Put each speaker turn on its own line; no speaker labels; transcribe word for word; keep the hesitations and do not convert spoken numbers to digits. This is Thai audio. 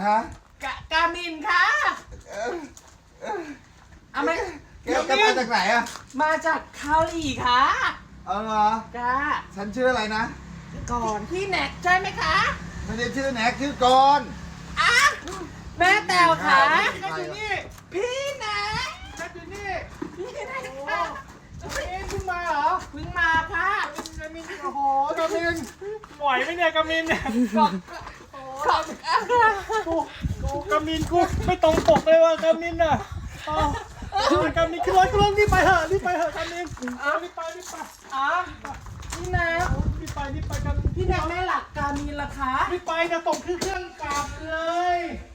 ฮะ
กะกามินค่ะเอาไหม
แกแกมาจากไหนอะ
มาจากเกาหลีค่ะ
เอาเหรอ
จ้า
ฉันชื่ออะไรนะ
ก่อนพี่แน็กใช่ไหมคะ
ไม่ได้ชื่อแน็กชื่อกรณ์
อ่ะแม่แตวค่ะ
แน็กอยู่นี่
พี่แน็ก
แม็กอยู่นี่
พี่แน็ก
โอ้
ค่ะ
เอ๊ะเพิ่งมาเหรอ
เพิ่งมาค่ะ
กามินโอ้โหกามินไหวไหมเนี่ยกามินเนี่ย
ขอบขอบ
กูกูกามินกูไม่ตรงปกเลยว่ะกามินอ่ะอ๋อกามินขึ้นรถขึ้นรถรีบไปเถอะรีบไปเถอะกามินรีบไปรีบไป
อ่ะพี่แน็ก
รีบไปรีบไปกามิน
พี่แน็กไม่หลักกามินเหรอคะ
รีบไปจะส่งขึ้นเครื่องกลับเลย